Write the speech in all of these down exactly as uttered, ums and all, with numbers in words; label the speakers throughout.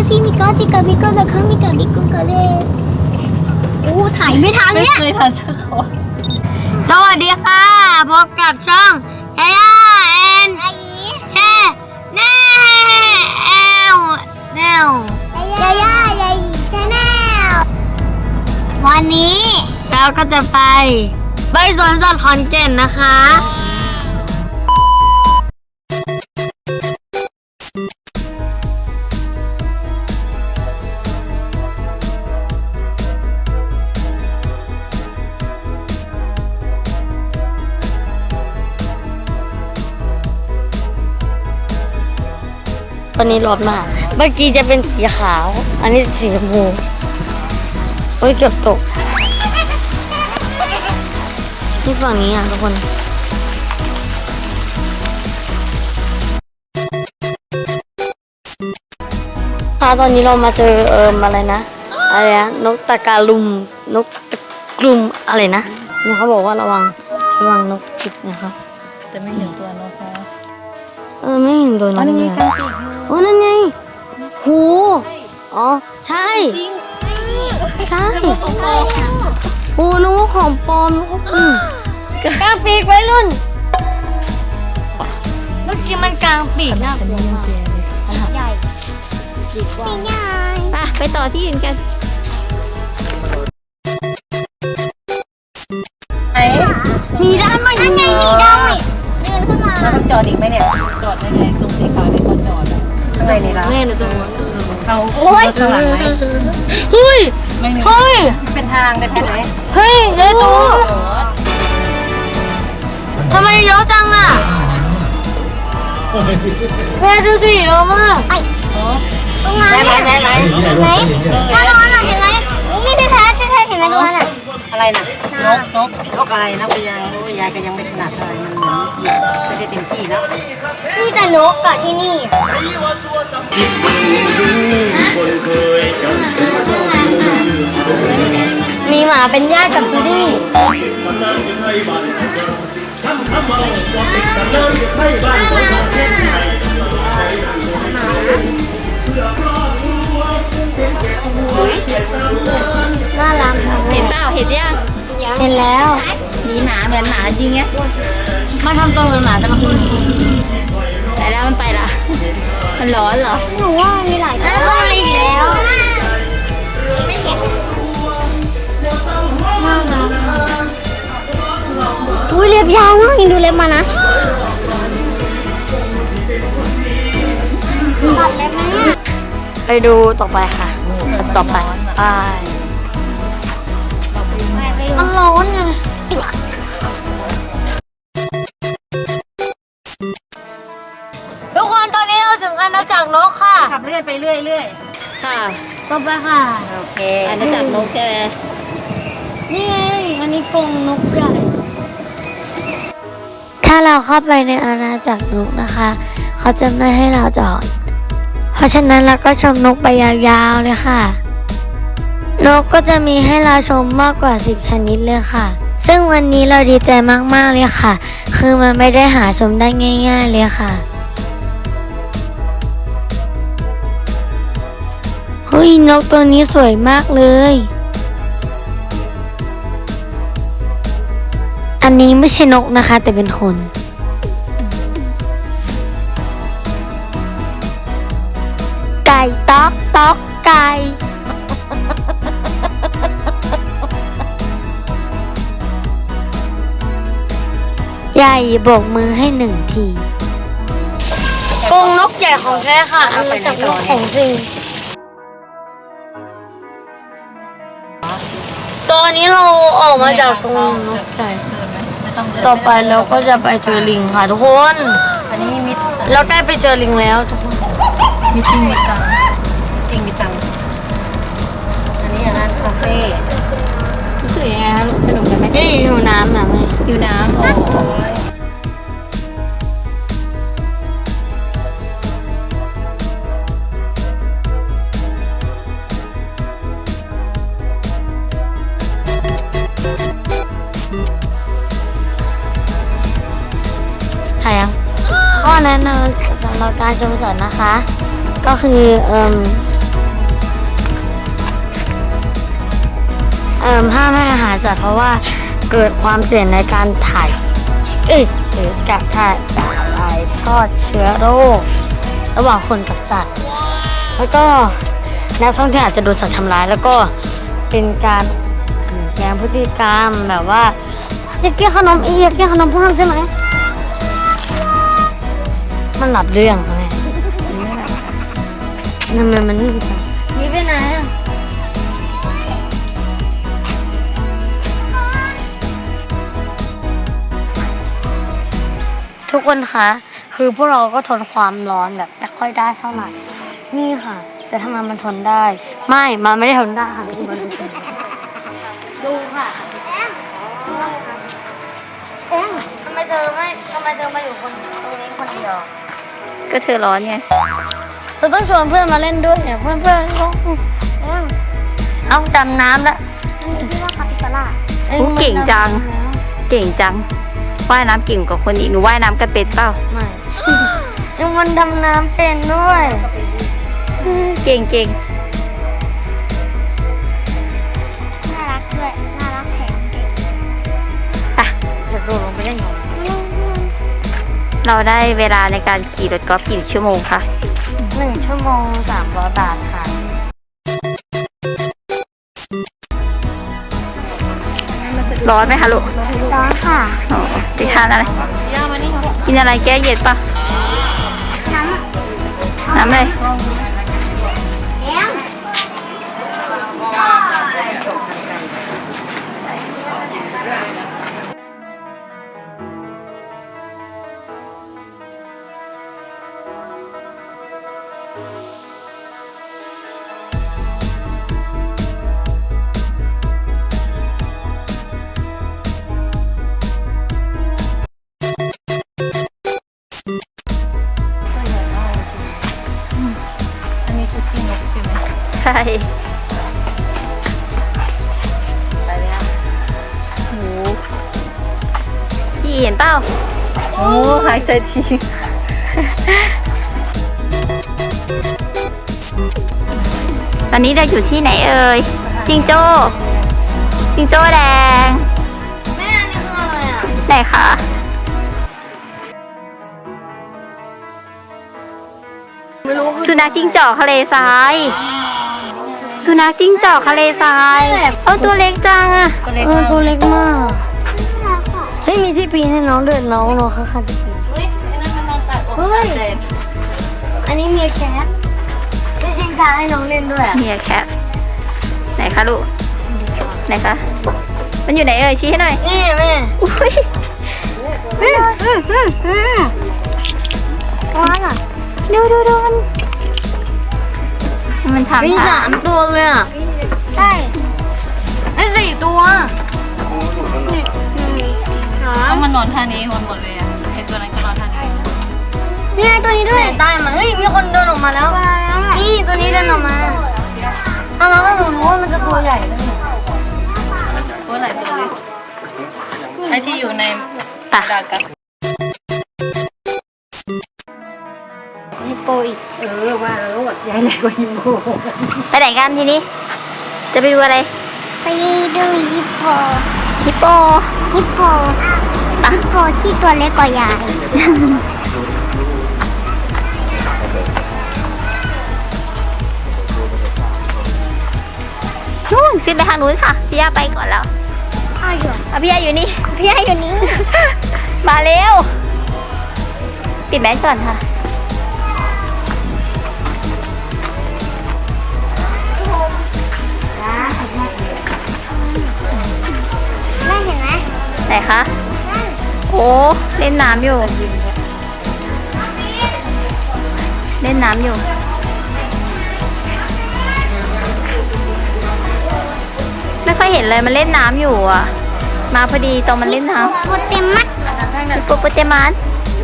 Speaker 1: ซีมิโกจิกาบิโกะคังมิกาบิโกะเลยโอ้ถ่ายไม่ทันเนี่ย
Speaker 2: ไม่เคยทันสักคน
Speaker 1: สวัสดีค่ะพบกับช่องยาย่าแอนแช่แนวแนวยาย่ายายีชาแนลวันนี้เราก็จะไปไปสวนสัตว์ขอนแก่นนะคะตอนนี้ร้อนมากเมื่อกี้จะเป็นสีขาว อันนี้สีชมพูโอ้ยเกือบตกที่ฝั่งนี้อ่ะทุกคนค่ะตอนนี้เรามาเจอเอิมอะไรนะอะไรนะนกตะการุมนกตะกรุมอะไรนะเนี่ยเขาบอกว่าระวังระวังนกจิกนะครับ
Speaker 2: จะไม่เห็นตัวนกนะ
Speaker 1: เออไม่เห็นตัวน
Speaker 2: อ๋อก นี่
Speaker 1: เล
Speaker 2: มี
Speaker 1: ย
Speaker 2: การปีก
Speaker 1: โอ้นั่นไงหูอ๋อใช่ใช่โอ้นึกว่าของปลอมนึกว่าอืมกลางปีกไว้รุ่นเมื่อกี้มันกลางปีกน่ากลัวมากใหญ่ปีกว่าใหญ่
Speaker 2: ไปไปต่อที่อื่นกันไหน
Speaker 1: มีด้ามไหมนั่นไงมีด้ามเดินขึ้นมา
Speaker 2: เราต้องจอดอีกไหมเนี่ยจอดได้ไงตรงสีขาวที่เขาจอดอะข้างในนี่ละ
Speaker 1: แม่หนูจะวน
Speaker 2: เขารถข้างหลังไหม
Speaker 1: เฮ้ย
Speaker 2: ไม่มี
Speaker 1: เฮ้ย
Speaker 2: เป็นทางได้แค่ไหน
Speaker 1: เฮ้ยเฮ้ยตูทำไมเยอะจังอ่ะแม่ดูสิเยอะมากตรงนั้น
Speaker 2: ไหนไหนไหน
Speaker 1: ไหนถ้าตรงนั้นเห็นไหมนี่พี่แพทพี่แพทเห็นไหมตรงนั้นอ่ะ
Speaker 2: อะไรน่ะนกนกนกอะไรนะไปยังยายก็ยังไม่ถนัดอะไรมันเหมือนเหยียบไม่ได้เต็มที่นะ
Speaker 1: มีแต่นกอะที่นี่มีหมาเป็นญาติกับจูดี้น่ารัก
Speaker 2: เห็นเปล่าเห็นยัง
Speaker 1: เห็นแล้ว
Speaker 2: มีหมาเหมือนหมาจริงเงี้ย
Speaker 1: มาทำตัวเหมือนหมาแต่มาคือ
Speaker 2: ไปแล้วมันไปละมันร้อนเหรอ
Speaker 1: หนูว่ามีหลายตัวเข้ามาอีกแล้วน่ารักอุ้ยเล็บยาวมากดูเล็บมานะตัดเล็บไหมเนี่ยไปดูต่อไปค่ะต่อไปไปมันร้อนไงทุกคนตอนนี้เราถึงอาณาจักรนกค่ะ
Speaker 2: ขับเลื่อนไปเรื่อยเรื่อย
Speaker 1: ค่ะต่อไปค่ะ
Speaker 2: โอเคอาณาจักรนกใช่ไหม
Speaker 1: นี่ไงอันนี้กรงนกใหญ่ถ้าเราเข้าไปในอาณาจักรนกนะคะ เขาจะไม่ให้เราจอด เพราะฉะนั้นเราก็ชมนกไปยาวๆเลยค่ะ นกก็จะมีให้เราชมมากกว่าสิบชนิดเลยค่ะ ซึ่งวันนี้เราดีใจมากๆเลยค่ะ คือมันไม่ได้หาชมได้ง่ายๆเลยค่ะเฮ้ยนกตัวนี้สวยมากเลยอันนี้ไม่ใช่นกนะคะแต่เป็นคนไก่ต๊อกต๊อกไก่ใหญ่โบกมือให้หนึ่งทีกรงนกใหญ่ของแท้ค่ะอันมาจากนกของจริงตอนนี้เราออกมาจากกรงนกใหญ่ต่อไปเราก็จะไปเจอลิงค่ะทุกคน
Speaker 2: อันนี้มิด
Speaker 1: เราใกล้ไปเจอลิงแล้วทุกคน
Speaker 2: มิดจริงมิดตังจริงมิดตังอันนี้ร้านคาเฟ่รู้สึกยังไงคะลูกสนุกกันไหม
Speaker 1: นี่อยู่น้ำนะแม่
Speaker 2: อยู่น้ำโอ้ย
Speaker 1: ถ่ายยังข้อแนะนำสำหรับการชมสวนนะคะ ก็คือเอ่มเอ่อห้ามให้อาหารสัตว์เพราะว่าเกิดความเสี่ยงในการถ่าย เอ้ยหรือกับถ่ายถ่ายทอดเชื้อโรค ระหว่างคนกับสัตว์ แล้วก็นักท่องเที่ยวอาจจะโดนสัตว์ทำร้าย แล้วก็เป็นการเปลี่ยนแปลงพฤติกรรมแบบว่าอยากกินขนมอีกอยากกินขนมเพิ่มใช่ไหม มันหลับเรื่องไหมทำไมมันนิ่งจังนี่ไปไหนอ่ะทุกคนคะคือพวกเราก็ทนความร้อนแบบไม่ค่อยได้เท่าไหร่นี่ค่ะ แต่ทำไมมันทนได้ ไม่มันไม่ได้ทนได้ค่ะดูค่ะเอ็งทำไมเธอไม่ทำไมเธอมาอยู่คนตรงนี้คนเดียว
Speaker 2: ก็เธอร้อนไง
Speaker 1: เราต้องชวนเพื่อนมาเล่นด้วยเนี่ยเพื่อนเพื่อนก็เอ็งเอาดำน้ำแล้วนี่ว่าคาปิบาร่า
Speaker 2: อู้เก่งจัง เก่งจัง ว่ายน้ำเก่งกว่าคนอีก หนูว่ายน้ำกันเป็นเปล่า
Speaker 1: ไม่ ยังมันดำน้ำเป็นด้วย
Speaker 2: เก่งเก่ง
Speaker 1: น่ารักด้วยน่ารักแถมเก่ง
Speaker 2: ไป
Speaker 1: จะโดดลงไปได้ยังไง
Speaker 2: เราได้เวลาในการขี่รถกอล์ฟกี่ชั่วโมงคะ
Speaker 1: หนึ่งชั่วโมงสามร้อยบาทค่ะ
Speaker 2: ร้อนไหมคะลูก
Speaker 1: ร้อนค่ะ
Speaker 2: อ๋อไปทานอะไร กินอะไรแก้เย็นปะ
Speaker 1: น้
Speaker 2: น้ำเลย
Speaker 1: ำเอ็ง
Speaker 2: อันนี้คือขี้นกใช่ไหมใช่ ไปแล้วโอ้พี่เห็นเปล่าโอ้หายใจทีตอนนี้เราอยู่ที่ไหนเอ่ย จิงโจ้จิงโจ้แดง
Speaker 1: แม่อันนี้คืออะไรอ่ะ
Speaker 2: ไหนคะสุนัขจิ้งจอกทะเลทราย สุนัขจิ้งจอกทะเลทรายเอาตัวเล็กจังอะ
Speaker 1: เออตัวเล็กมากเฮ้ยมีที่ปีนให้น้องด้วยน้องน้องค่ะค่ะที่ปีน
Speaker 2: เฮ้ยนั่นมันนอนตัดอก
Speaker 1: เฮ้ย อันนี้มีแคทมีชิงช้าให้น้องเล่นด้วยอ่ะ
Speaker 2: เมียแคสไหนคะลูก ไหนคะ มันอยู่ไหนเอ่ยชี้ให้หน่อย
Speaker 1: นี่แม่
Speaker 2: อุ้ย
Speaker 1: อืมอืมอืมอืมว้าวอ่ะ
Speaker 2: ดูดูดูมันมันทำ
Speaker 1: มี
Speaker 2: ท่า
Speaker 1: สามตัวเลยอ่ะใช่ไอ้สี่ตัวหา
Speaker 2: เอามันนอนท่านี้มันหมดเลยอะเห็นตัวนั้นก็นอนท่านี้
Speaker 1: นี่ไงตัวนี้ด้วยใต้มาเฮ้ยมีคนเดินออกมาแล้วนี่ตัวนี้เดินออกมาอ้าวแล้วหนูรู้ว่ามันจะตัวใหญ่เลย
Speaker 2: ตัวไหนตัวเล็กไอที่อยู่ในดากัส
Speaker 1: ฮิปโปอีก
Speaker 2: เออว่าแล้วหมดใหญ่ใหญ่กว่าฮิปโปไปไหนกันทีนี้ จะไปดูอะไร
Speaker 1: ไปดูฮิปโป
Speaker 2: ฮิปโป
Speaker 1: ฮิปโปฮิปโปที่ตัวเล็กกว่ายาย
Speaker 2: นู่นขึ้นไปทางนู้นค่ะพี่ย่าไปก่อนแล้ว
Speaker 1: อ้าวอยู่
Speaker 2: เอาพี่ย่าอยู่นี่
Speaker 1: พี่ให้อยู่นี้
Speaker 2: มาเร็ว ปิดแมสก่อนค่ะ
Speaker 1: แม่เห็นไหม
Speaker 2: ไหนคะ โอ้เล่นน้ำอยู่ เล่นน้ำอยู่ ไม่ค่อยเห็นเลยมันเล่นน้ำอยู่อ่ะ มาพอดีตอนมันเล่นน้ำ
Speaker 1: โปเตมัส
Speaker 2: ฮิปโปโปเตมัส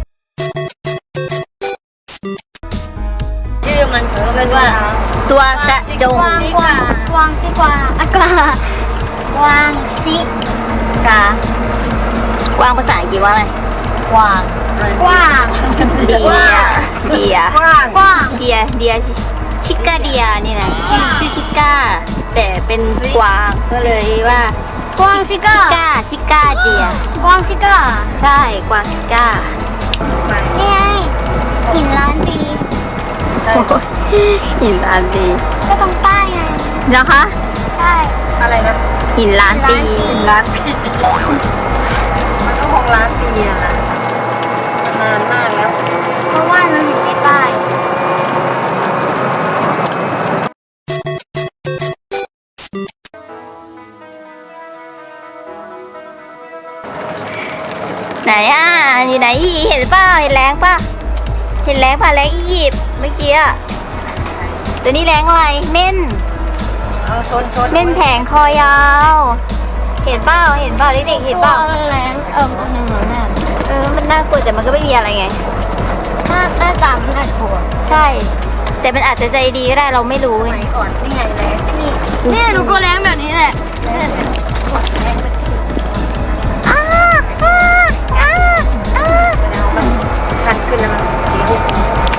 Speaker 1: ชื่อมันถือเป็นว่า
Speaker 2: ตัวกระจง
Speaker 1: กวางกวางกวางสิกวางอะกวางกวางสิกาก
Speaker 2: วางภาษาอังกฤษว่าอะไร
Speaker 1: กวางกวาง
Speaker 2: เดีย เดีย
Speaker 1: กวางกวาง
Speaker 2: เดีย เดีย ชิก้าเดียนี่นะชื่อชื่อชิก้า
Speaker 3: แต่เป็นกวางก็เลยว่าก
Speaker 1: วางซิก้า
Speaker 3: ชิก้าชิก้าเดีย
Speaker 1: กวางซิก้า
Speaker 3: ใช่กวางชิก้า
Speaker 1: นี่ไงหินล้านปี
Speaker 2: ใช่
Speaker 3: หินล้านปี
Speaker 1: ก็ตรงป้ายไง
Speaker 3: นะคะ
Speaker 1: ใช่
Speaker 2: อะไรนะ
Speaker 3: หินล้านปี
Speaker 2: ล้านปีมันก็คงล้านปีอะนะนานมากแล้ว
Speaker 1: เพราะว่าเราเห็นในป้าย
Speaker 3: ไหนอ่ะอยู่ไหนพี่เห็นเปล่าเห็นแรงป่ะเห็นแรงป่ะแรงอียิปต์เมื่อกี้อะตัวนี้แรงอะไรเม่น
Speaker 2: เอาชนชน
Speaker 3: เม่นแผงคอยาว เห็นเปล่าเห็นเปล่าเด็กๆเห็นเปล่า
Speaker 1: แรงเอออันหนึ่งเหรอแม่
Speaker 3: เออมันน่ากลัวแต่มันก็ไม่มีอะไรไง
Speaker 1: หน้าหน้าตามันน่ากลัว
Speaker 3: ใช่ แต่มันอาจจะใจดีก็ได้เราไม่รู้
Speaker 2: ส
Speaker 3: ไง
Speaker 2: มัยก่อนนี่ไงเลย
Speaker 1: นี่นี่หนูก็แรงแบบนี้แหละ
Speaker 3: อ้าอ้าอ้าอ้า
Speaker 2: ชันขึ้นแล้วมันสีหุบ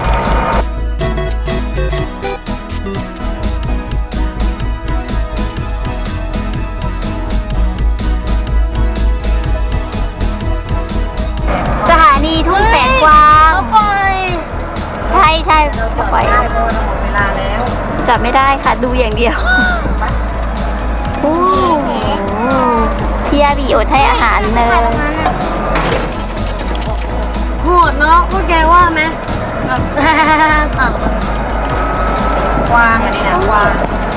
Speaker 3: สถานีทุ่งแสงกวาง
Speaker 1: ปล่อย
Speaker 3: ใช่ใช่
Speaker 2: เราจอด
Speaker 3: ปล่อย
Speaker 2: ไม่ได้เพราะว่าเราหมดเวลาแล้ว
Speaker 3: จับไม่ได้ค่ะดูอย่างเดียวโอ้โหพี่ยาบีอดให้อาหารเลย
Speaker 1: โหดเนาะพวกแกว่าไหมแบบสั่ง
Speaker 2: กวางอันนี้นะกวาง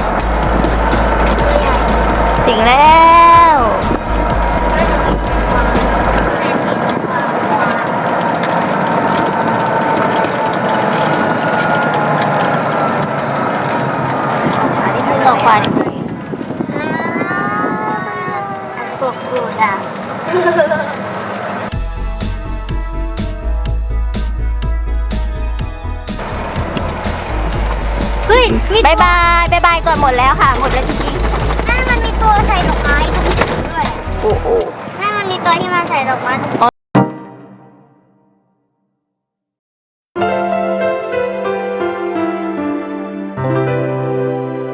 Speaker 3: ถึงแล้วอันนี้คือออกขวานิดนึง
Speaker 1: กบกูดอ่ะ
Speaker 3: เฮ้ยบายบายบายบายก่อนหมดแล้วค่ะ หมดแล้วจริง
Speaker 1: แม่มันมีตัวใส่ดอกไม้ตรงนี้ด้วย
Speaker 3: ๆโอ้โห
Speaker 1: แม่มันมีตัวที่มันใส่ดอกไม้ตรงนี้